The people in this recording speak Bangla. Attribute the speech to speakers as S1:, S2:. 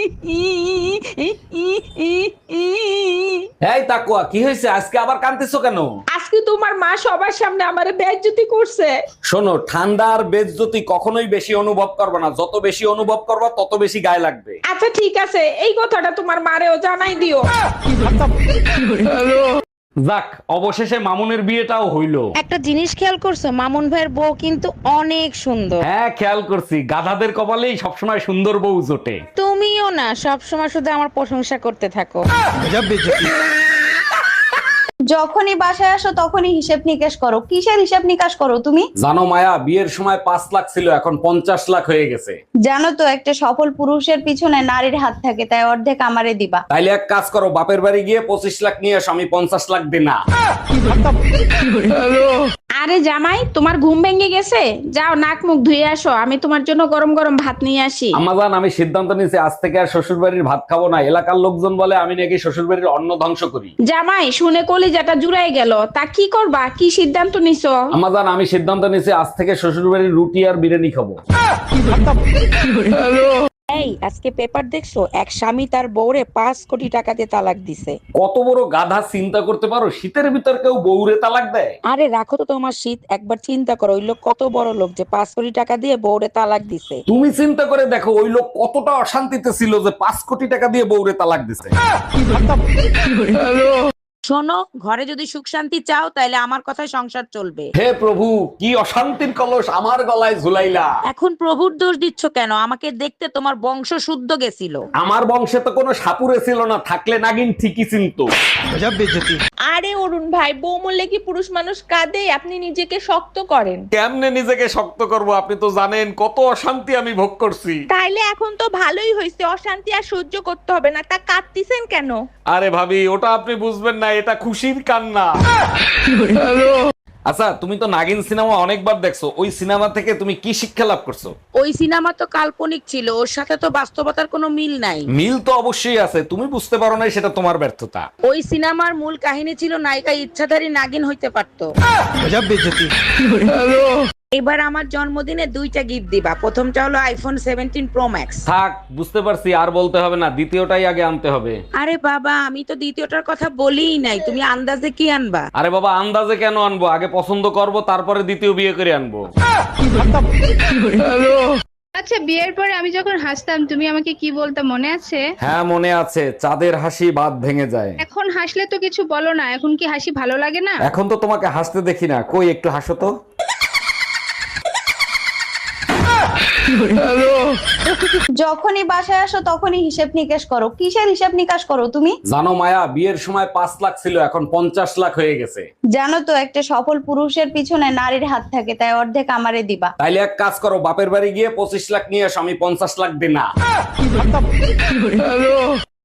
S1: এই তাকুয়া, কি হয়েছে আজকে আবার কাঁদতেছো কেন?
S2: আজকে তোমার মা সবার সামনে আমারে বেইজ্জতি করছে।
S1: শোনো, ঠান্ডা আর বেজ্জতি কখনোই বেশি অনুভব করবে না, যত বেশি অনুভব করবা তত বেশি গায়ে লাগবে।
S2: আচ্ছা ঠিক আছে, এই কথাটা তোমার মারেও জানাই দিও।
S1: যাক, অবশেষে মামুনের বিয়েটাও হইলো।
S3: একটা জিনিস খেয়াল করছো, মামুন ভাইয়ের বউ কিন্তু অনেক সুন্দর।
S1: হ্যাঁ, খেয়াল করছি, গাধাদের কপালেই সবসময় সুন্দর বউ জোটে।
S3: তুমিও না সবসময় শুধু আমার প্রশংসা করতে থাকো।
S4: যখনই বাসায় আসো তখনই হিসেব নিকেশ করো। কিসের হিসেব নিকাশ করো তুমি?
S1: জানো মায়া, বিয়ের সময় 5 লাখ ছিল, এখন 50 লাখ হয়ে গেছে।
S4: জানো তো, একটা সফল পুরুষের পিছনে নারীর হাত থাকে, তাই অর্ধেক আমারে দিবা।
S1: তাইলে এক কাজ করো, বাপের বাড়ি গিয়ে 25 লাখ নিয়ে আসো, আমি 50 লাখ দিনা।
S2: আরে জামাই, তোমার ঘুম ভেঙে গেছে? যাও নাক মুখ ধুয়ে আসো, আমি তোমার জন্য গরম গরম ভাত নিয়ে আসি।
S1: আমাজান, আমি সিদ্ধান্ত নিয়েছি আজ থেকে আর শ্বশুর বাড়ির ভাত খাবো না। এলাকার লোকজন বলে আমি নাকি শ্বশুর বাড়ির অন্ন ধ্বংস করি।
S2: জামাই, শুনে কলিজাটা জুড়াই গেল। তা কি করবা, কি সিদ্ধান্ত নিছো?
S1: আমাজান, আমি সিদ্ধান্ত নিয়েছি আজ থেকে শ্বশুর বাড়ির রুটি আর বিরিয়ানি খাবো।
S3: এই আজকে পেপার দেখছো, এক স্বামী তার বউরে 5 কোটি টাকা দিয়ে তালাক দিছে।
S1: কত বড় গাধা, চিন্তা করতে পারো? শীতের ভিতর কেউ বউরে তালাক দেয়?
S3: আরে রাখো তো তোমার শীত, একবার চিন্তা করো ওই লোক কত বড় লোক যে 5 কোটি টাকা দিয়ে বউরে তালাক দিছে।
S1: তুমি চিন্তা করে দেখো, ওই লোক কতটা অশান্তিতে ছিল যে 5 কোটি টাকা দিয়ে বউরে তালাক দিছে।
S3: শোনো, ঘরে যদি সুখ শান্তি চাও তাহলে আমার কথায় সংসার চলবে।
S1: হে প্রভু, কি অশান্তির কলস আমার গলায় ঝুলাইলা।
S3: এখন প্রভুর দোষ দিচ্ছ কেন? আমাকে দেখতে তোমার বংশ শুদ্ধ গেছিল।
S1: আমার বংশে তো কোনো সাপুরে ছিল না, থাকলে নাগিন ঠিকই চিনতো।
S2: আরে অরুণ ভাই, বউ মরলে কি পুরুষ মানুষ কাঁদে? আপনি নিজেকে শক্ত করেন।
S1: কেমনে নিজেকে শক্ত করব? আপনি তো জানেন কত অশান্তি আমি ভোগ করছি।
S2: তাইলে এখন তো ভালোই হয়েছে, অশান্তি আর সহ্য করতে হবে না। তা কাঁদতিছেন কেন?
S1: আরে ভাবি, ওটা আপনি বুঝবেন না, এটা খুশির কান্না। আচ্ছা, তুমি তো নাগিন সিনেমা অনেকবার দেখছো, ওই সিনেমা থেকে তুমি কি শিক্ষা লাভ করছো?
S3: ওই সিনেমা তো কাল্পনিক ছিল, ওর সাথে তো বাস্তবতার কোনো মিল নাই।
S1: মিল তো অবশ্যই আছে, তুমি বুঝতে পারো নাই, সেটা তোমার ব্যর্থতা।
S3: ওই সিনেমার মূল কাহিনী ছিল নায়িকা ইচ্ছাধারী নাগিন হইতে পারতো। এবার আমার জন্মদিনে 2টা গিফট দিবা। প্রথমটা হলো আইফোন 17 প্রো ম্যাক্স।
S1: থাক, বুঝতে পারছি, আর বলতে হবে না, দ্বিতীয়টাই আগে আনতে হবে।
S3: আরে বাবা, আমি তো দ্বিতীয়টার কথা বলিই নাই, তুমি আন্দাজে কি আনবা?
S1: আরে বাবা, আন্দাজে কেন আনবো? আগে পছন্দ করব, তারপরে দ্বিতীয় বিয়ে করে আনবো।
S5: আচ্ছা, বিয়ের পরে আমি যখন হাসতাম তুমি আমাকে কি বলতে মনে আছে?
S1: হ্যাঁ মনে আছে, চাঁদের হাসি বাদ ভেঙে যায়।
S5: এখন হাসলে তো কিছু বলো না, এখন কি হাসি ভালো লাগে না?
S1: এখন তো তোমাকে হাসতে দেখি না, কই একটু হাসো তো।
S4: যখনই বাসায় আসো তখনই হিসেব নিকেশ করো। কিসের হিসেব নিকাশ করো তুমি?
S1: জানো মায়া, বিয়ের সময় 5 লাখ ছিল, এখন 50 লাখ হয়ে গেছে।
S4: জানো তো, একটা সফল পুরুষের পিছনে নারীর হাত থাকে, তাই অর্ধেক আমারে দিবা।
S1: তাইলে এক কাজ করো, বাপের বাড়ি গিয়ে 25 লাখ নিয়ে আসো, আমি 50 লাখ দিনা।